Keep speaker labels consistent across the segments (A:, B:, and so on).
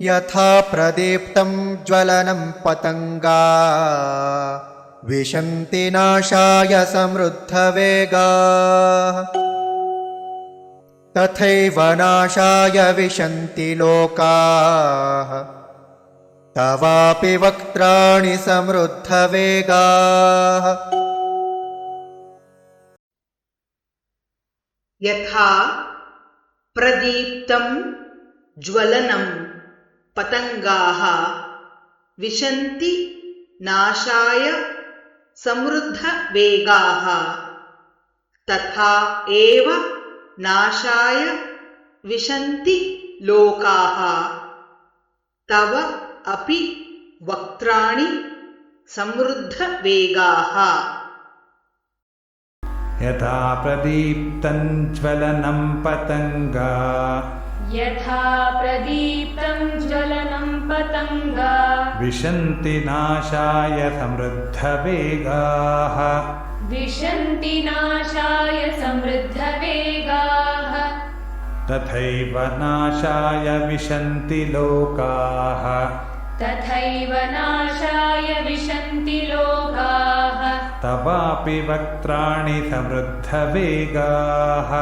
A: यथा प्रदीप्तं ज्वलनं पतंगा विशन्ति नाशाय समृद्धवेगाः तथैव नाशाय विशन्ति लोकाः तवापि वक्त्राणि समृद्धवेगाः।
B: यथा प्रदीप्तं ज्वलनं पतंगाः विशन्ति नाशाय समृद्धवेगाः तथा एव नाशाय विशन्ति लोकाः तव अपि वक्त्राणि समृद्धवेगाः।
C: यथा प्रदीप्तं ज्वलनं पतंगा विशन्ति नाशाय समृद्धवेगाः तथैव नाशाय विशन्ति लोकाः तवापि वक्त्राणि समृद्धवेगाः।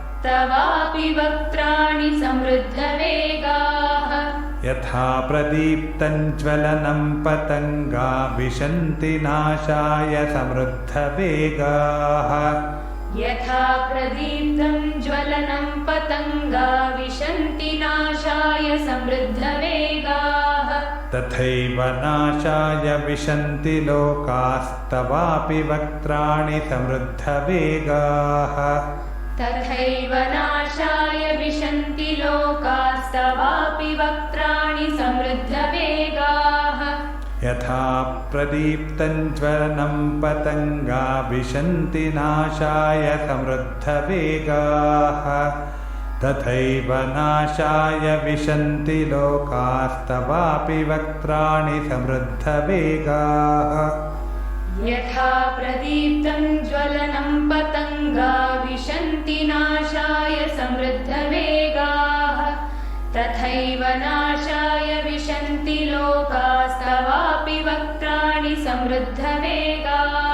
C: यथा प्रदीप्तं ज्वलनं पतंगा विशन्ति नाशाय समृद्धवेगाः तथैव नाशाय विशन्ति लोकास्तवापि वक्त्राणि समृद्धवेगाः। यथा प्रदीप्तं ज्वलनं पतंगा विशन्ति नाशाय समृद्धवेगाः तथैव नाशाय विशन्ति लोकास्तवापि वक्त्राणि समृद्धवेगाः।
D: यथा प्रदीप्तं ज्वलनं पतंगा विशन्ति नाशाय समृद्धवेगाः तथैव नाशाय विशन्ति लोकास्तवापि वक्त्राणि समृद्धवेगाः।